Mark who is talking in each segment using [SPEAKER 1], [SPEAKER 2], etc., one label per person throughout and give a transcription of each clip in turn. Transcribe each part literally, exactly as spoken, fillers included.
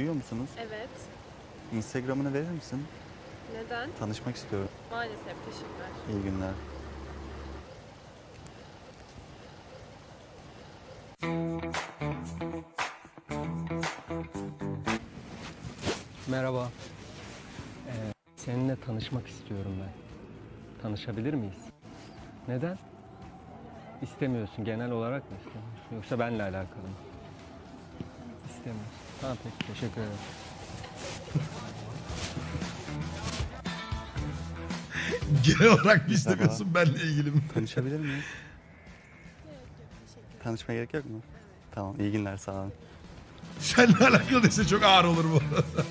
[SPEAKER 1] Duyuyor musunuz?
[SPEAKER 2] Evet.
[SPEAKER 1] Instagram'ını verir misin?
[SPEAKER 2] Neden?
[SPEAKER 1] Tanışmak istiyorum.
[SPEAKER 2] Maalesef, teşekkürler.
[SPEAKER 1] İyi günler.
[SPEAKER 3] Merhaba. Ee, seninle tanışmak istiyorum ben. Tanışabilir miyiz? Neden? İstemiyorsun. Genel olarak mı istemiyorsun? Yoksa benle alakalı mı? İstemiyorsun. Tamam peki. Teşekkür ederim.
[SPEAKER 4] Genel olarak mı istemiyorsun, benle ilgili mi?
[SPEAKER 1] Tanışabilir miyiz? Tanışmaya gerek yok mu? Tamam, iyi günler, sağ olun.
[SPEAKER 4] Seninle alakalı ise çok ağır olur bu.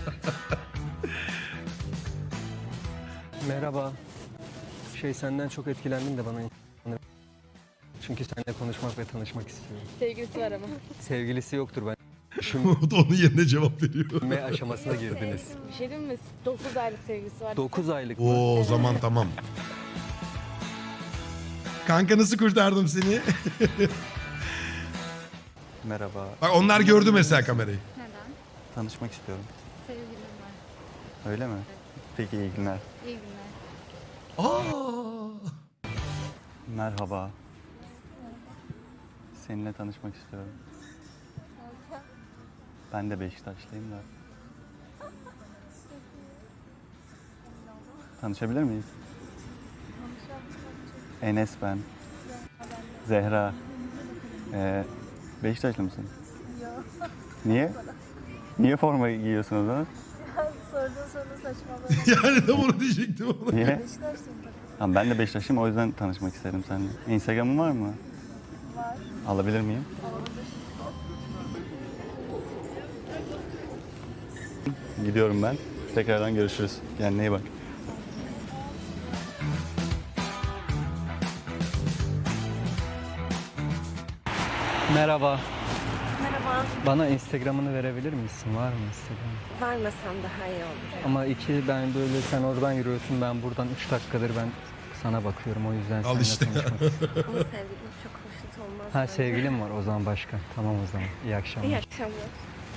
[SPEAKER 3] Merhaba. Şey senden çok etkilendim de bana... Çünkü seninle konuşmak ve tanışmak istiyorum.
[SPEAKER 2] Sevgilisi var ama.
[SPEAKER 3] Sevgilisi yoktur ben.
[SPEAKER 4] O da onun yerine cevap veriyor.
[SPEAKER 3] Düşünme aşamasına girdiniz.
[SPEAKER 2] Bir şey diyeyim mi? dokuz aylık sevgilisi var.
[SPEAKER 3] dokuz aylık mı?
[SPEAKER 4] Oo, o zaman tamam. Kanka nasıl kurtardım seni?
[SPEAKER 1] Merhaba.
[SPEAKER 4] Bak onlar gördü mesela kamerayı.
[SPEAKER 5] Neden?
[SPEAKER 1] Tanışmak istiyorum.
[SPEAKER 5] Sevgilim var.
[SPEAKER 1] Öyle mi? Peki, iyi günler.
[SPEAKER 5] İyi günler.
[SPEAKER 4] Aa!
[SPEAKER 1] Merhaba. Seninle tanışmak istiyorum. Ben de Beşiktaşlıyım da. Tanışabilir miyiz? Enes ben. Zehra. Ee, Beşiktaşlı mısın?
[SPEAKER 6] Yok.
[SPEAKER 1] Niye? Niye forma giyiyorsun o zaman?
[SPEAKER 6] Sorduğun soru saçmalama.
[SPEAKER 4] Yani tam onu diyecektim ona.
[SPEAKER 1] Niye?
[SPEAKER 6] Beşiktaşlıyım tabii.
[SPEAKER 1] Tamam, ben de Beşiktaşlıyım, o yüzden tanışmak isterim seninle. Instagram'ın var mı?
[SPEAKER 6] Var.
[SPEAKER 1] Alabilir miyim? Gidiyorum ben. Tekrardan görüşürüz. Kendine iyi bak.
[SPEAKER 3] Merhaba.
[SPEAKER 2] Merhaba.
[SPEAKER 3] Bana Instagram'ını verebilir misin? Var mı Instagram?
[SPEAKER 2] Vermesen daha iyi olur.
[SPEAKER 3] Ama iki ben böyle sen oradan yürüyorsun ben buradan üç dakikadır ben sana bakıyorum o yüzden
[SPEAKER 4] Al
[SPEAKER 3] seninle
[SPEAKER 4] işte.
[SPEAKER 3] konuşmak istiyorum.
[SPEAKER 2] Ama sevgilim çok hoşnut olmaz.
[SPEAKER 3] Ha
[SPEAKER 2] bence.
[SPEAKER 3] sevgilim var o zaman başka. Tamam o zaman. İyi akşamlar.
[SPEAKER 2] İyi akşamlar.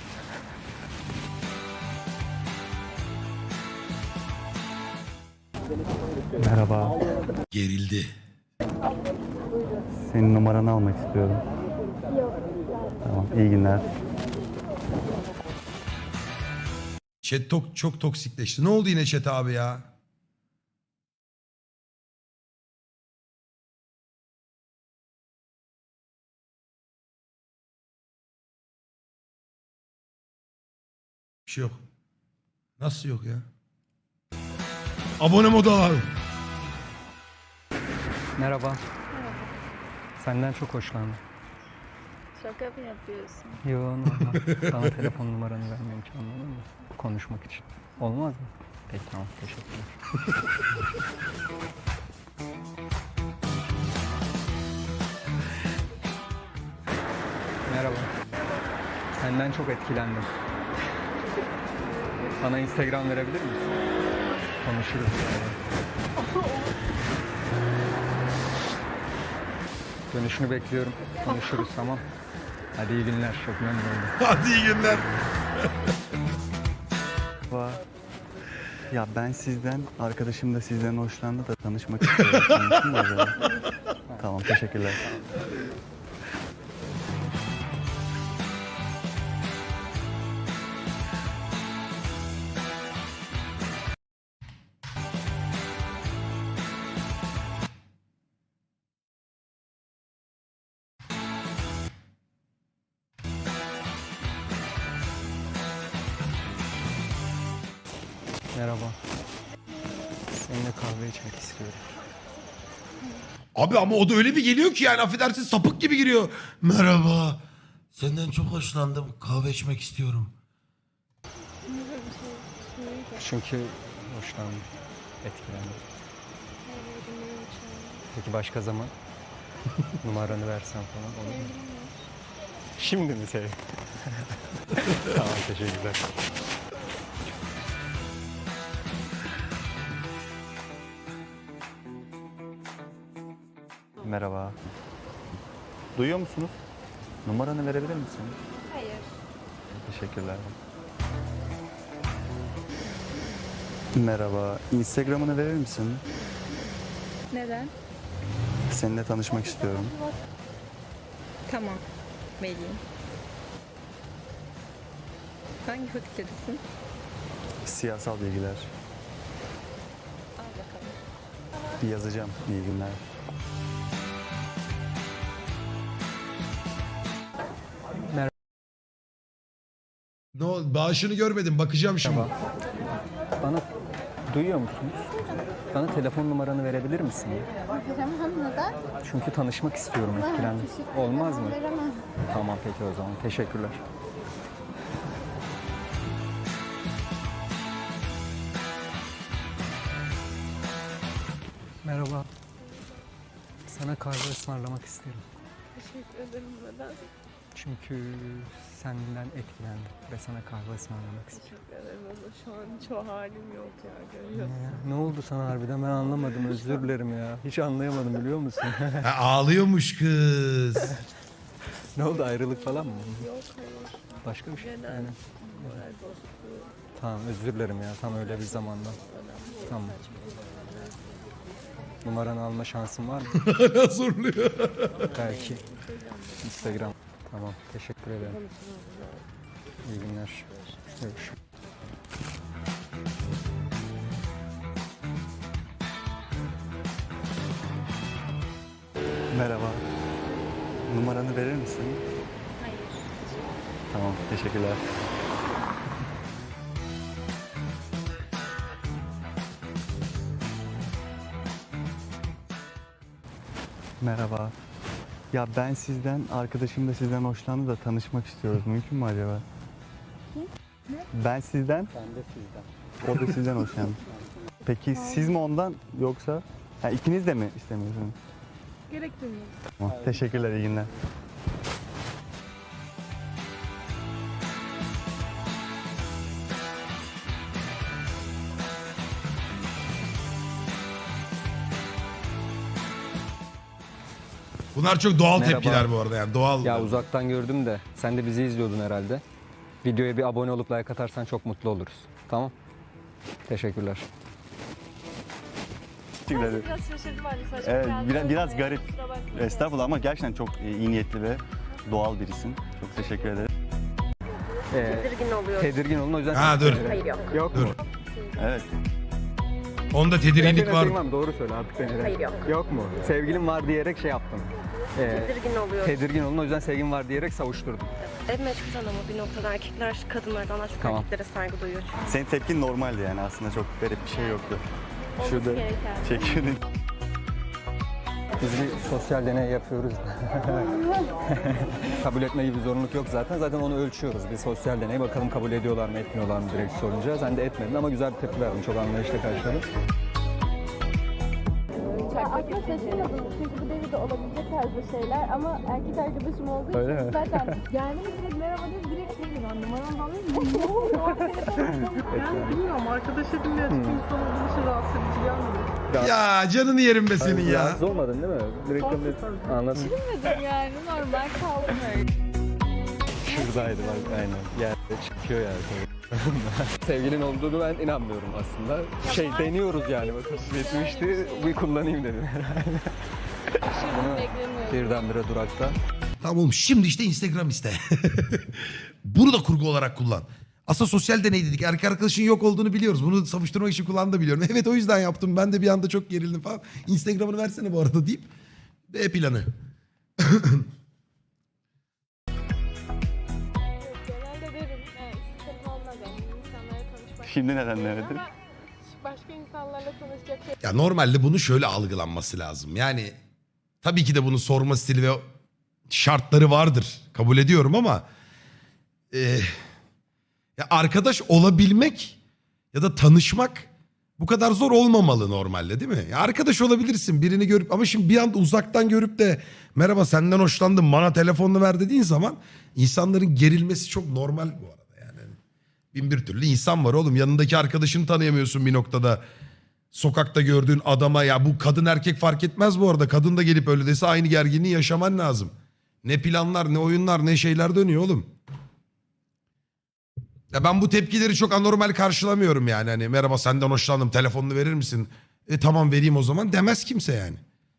[SPEAKER 1] Merhaba.
[SPEAKER 4] Gerildi.
[SPEAKER 1] Senin numaranı almak istiyorum.
[SPEAKER 6] Yok.
[SPEAKER 1] Tamam, iyi günler.
[SPEAKER 4] Chat tok, çok toksikleşti. Ne oldu yine chat abi ya? Bir şey yok. Nasıl yok ya? Abone modu al.
[SPEAKER 3] Merhaba. Senden çok hoşlandım.
[SPEAKER 6] Şaka mı yapıyorsun?
[SPEAKER 3] Yo normal. Sana telefon numaranı vermem için anladın mı? Konuşmak için. Olmaz mı? Peki tamam teşekkürler. Merhaba. Senden çok etkilendim. Bana Instagram verebilir misin? Konuşuruz. Dönüşünü bekliyorum. Konuşuruz tamam. Hadi iyi günler. Çok memnun oldum.
[SPEAKER 4] Hadi iyi günler.
[SPEAKER 1] Merhaba. Ya ben sizden, arkadaşım da sizden hoşlandı da tanışmak istiyorum. Mümkün mü acaba? Tamam, teşekkürler.
[SPEAKER 3] Merhaba. Seninle kahve içmek istiyorum.
[SPEAKER 4] Abi ama o da öyle bir geliyor ki yani affedersin sapık gibi giriyor. Merhaba. Senden çok hoşlandım. Kahve içmek istiyorum.
[SPEAKER 3] Çünkü hoşlandım. Etkilendim. Peki başka zaman? Numaranı versen falan olur mu? Şimdi mi sev? Tamam teşekkürler.
[SPEAKER 1] Merhaba. Duyuyor musunuz? Numaranı verebilir misin?
[SPEAKER 6] Hayır.
[SPEAKER 1] Teşekkürler. Merhaba. Instagram'ını verir misin?
[SPEAKER 5] Neden?
[SPEAKER 1] Seninle tanışmak istiyorum.
[SPEAKER 5] Tamam. Vereyim. Hangi fakültedesin?
[SPEAKER 1] Siyasal bilgiler.
[SPEAKER 5] Al bakalım.
[SPEAKER 1] Yazacağım. İyi günler.
[SPEAKER 4] Ne o, bağışını görmedim. Bakacağım şimdi.
[SPEAKER 3] Bana duyuyor musunuz? Bana telefon numaranı verebilir misin?
[SPEAKER 6] Veremem, neden?
[SPEAKER 3] Çünkü tanışmak istiyorum, etkilendim.
[SPEAKER 6] Teşekkür
[SPEAKER 3] Olmaz mı?
[SPEAKER 6] ederim, veremem.
[SPEAKER 3] Tamam peki o zaman. Teşekkürler. Merhaba. Sana kahve ısmarlamak isterim.
[SPEAKER 2] Teşekkür ederim. Neden?
[SPEAKER 3] Çünkü senden etkilendim ve sana kahve ısmarlamak istiyorum.
[SPEAKER 2] Teşekkür ederim ama şu an çoğu halim yok ya. Görüyorsun.
[SPEAKER 3] Ya, ne oldu sana harbiden ben anlamadım, özür dilerim ya. Hiç anlayamadım biliyor musun?
[SPEAKER 4] Ha, ağlıyormuş kız.
[SPEAKER 3] Ne oldu, ayrılık falan mı?
[SPEAKER 2] Yok hayır.
[SPEAKER 3] Başka bir şey.
[SPEAKER 2] Genel
[SPEAKER 3] Yani,
[SPEAKER 2] moral bozukluğu.
[SPEAKER 3] tamam özür dilerim ya, tam öyle bir zamanda. Tamam. Numaranı alma şansın var mı?
[SPEAKER 4] Hala zorluyor.
[SPEAKER 3] Belki. Instagram. Tamam, teşekkür ederim. İyi günler. Görüşürüz.
[SPEAKER 1] Merhaba. Numaranı verir misin?
[SPEAKER 6] Hayır.
[SPEAKER 1] Tamam. Teşekkürler. Merhaba. Ya ben sizden, arkadaşım da sizden hoşlandı da tanışmak istiyoruz. Mümkün mü acaba? Ben sizden,
[SPEAKER 3] Ben de sizden.
[SPEAKER 1] o da sizden hoşlandı. Peki siz mi ondan yoksa? Ha, ikiniz de mi istemiyorsunuz?
[SPEAKER 2] Gerek duymuyorum.
[SPEAKER 1] Tamam. Teşekkürler, iyi günler.
[SPEAKER 4] Bunlar çok doğal
[SPEAKER 3] Merhaba.
[SPEAKER 4] tepkiler bu arada yani doğal.
[SPEAKER 3] Ya uzaktan gördüm de sen de bizi izliyordun herhalde. Videoya bir abone olup like atarsan çok mutlu oluruz. Tamam? Teşekkürler.
[SPEAKER 1] Teşekkürler.
[SPEAKER 2] Biraz şaşırdım hani saçma
[SPEAKER 1] Evet,
[SPEAKER 2] geldi.
[SPEAKER 1] biraz, biraz
[SPEAKER 2] Ee,
[SPEAKER 1] garip.
[SPEAKER 2] kusura bakmayın.
[SPEAKER 1] Estağfurullah ama gerçekten çok e, iyi niyetli ve doğal birisin. Çok teşekkür ederim.
[SPEAKER 3] Ee,
[SPEAKER 2] Tedirgin oluyor.
[SPEAKER 3] tedirgin olun o yüzden...
[SPEAKER 4] Ha, dur.
[SPEAKER 2] Hayır yok.
[SPEAKER 3] Yok
[SPEAKER 4] Dur.
[SPEAKER 3] mu?
[SPEAKER 1] Evet.
[SPEAKER 4] Onda tedirginlik
[SPEAKER 3] Gerçekten
[SPEAKER 4] var.
[SPEAKER 3] sevgilin var mı? Doğru söyle artık beni. de.
[SPEAKER 2] Hayır, yok.
[SPEAKER 3] Yok mu? Sevgilim var diyerek şey yaptım. Ee,
[SPEAKER 2] Tedirgin oluyor.
[SPEAKER 3] tedirgin olun o yüzden sevgim var diyerek savuşturdum.
[SPEAKER 2] Evet mecburen ama bir noktada erkekler kadınlardan daha çok
[SPEAKER 3] Tamam.
[SPEAKER 2] erkeklere saygı duyuyor çünkü.
[SPEAKER 1] Senin tepkin normaldi yani aslında çok garip bir şey yoktu.
[SPEAKER 2] Olması
[SPEAKER 1] Şurada
[SPEAKER 2] gereken.
[SPEAKER 1] çekiyordun.
[SPEAKER 3] Biz bir sosyal deney yapıyoruz. Kabul etme gibi bir zorunluluk yok zaten. Zaten onu ölçüyoruz. Bir sosyal deney bakalım kabul ediyorlar mı etmiyorlar mı direkt sorunca. Sen de etmedin ama güzel bir tepki verdin. Çok anlayışla karşıladın.
[SPEAKER 6] Aslında şaşırmadım çünkü bu devirde olabilecek tarzda şeyler ama erkek arkadaşım olduğu için
[SPEAKER 3] Öyle mi?
[SPEAKER 6] zaten yani direkt merhaba deyip direkt şey gibi numaram falan ne oluyor?
[SPEAKER 2] Ben bilmiyorum arkadaş edinmeye açık insan olduğu için rahatsız edici gelmiyor.
[SPEAKER 4] Ya canını yerim be senin ya.
[SPEAKER 3] Rahatsız olmadın değil mi? Direkt de anladım.
[SPEAKER 6] Dedim yani normal kaldım öyle.
[SPEAKER 3] Şuradaydı bak aynen. Yerde çıkıyor yani. Sevgilin olduğunu ben inanmıyorum aslında. Şey deniyoruz yani bakın yetmişti bir kullanayım dedim herhalde. Bunu birdenbire durakta.
[SPEAKER 4] Tamam oğlum şimdi işte Instagram iste. Bunu da kurgu olarak kullan. Aslında sosyal deney dedik. Erkek arkadaşın yok olduğunu biliyoruz. Bunu savuşturmak için kullandı biliyorum. Evet o yüzden yaptım. Ben de bir anda çok gerildim falan. Instagram'ını versene bu arada deyip. B planı.
[SPEAKER 7] Genelde derim, yani sıkıntı olmaz yani insanlarla tanışmak.
[SPEAKER 1] Şimdi neden demedin?
[SPEAKER 7] Ama başka insanlarla tanışacak şey
[SPEAKER 4] Ya normalde bunu şöyle algılanması lazım. Yani tabii ki de bunun sorma stili ve şartları vardır. Kabul ediyorum ama e, ya arkadaş olabilmek ya da tanışmak bu kadar zor olmamalı normalde değil mi? Ya arkadaş olabilirsin birini görüp ama şimdi bir anda uzaktan görüp de merhaba senden hoşlandım bana telefonunu ver dediğin zaman insanların gerilmesi çok normal bu arada yani. Bin bir türlü insan var oğlum yanındaki arkadaşını tanıyamıyorsun bir noktada. Sokakta gördüğün adama ya bu kadın erkek fark etmez bu arada. Kadın da gelip öyle dese aynı gerginliği yaşaman lazım. Ne planlar ne oyunlar ne şeyler dönüyor oğlum. Ya ben bu tepkileri çok anormal karşılamıyorum yani. Hani merhaba senden hoşlandım, telefonunu verir misin? E tamam vereyim o zaman demez kimse yani.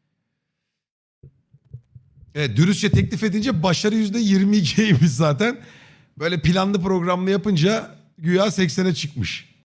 [SPEAKER 4] Evet, dürüstçe teklif edince başarı yüzde yirmi ikiymiş zaten. Böyle planlı programlı yapınca güya seksene çıkmış.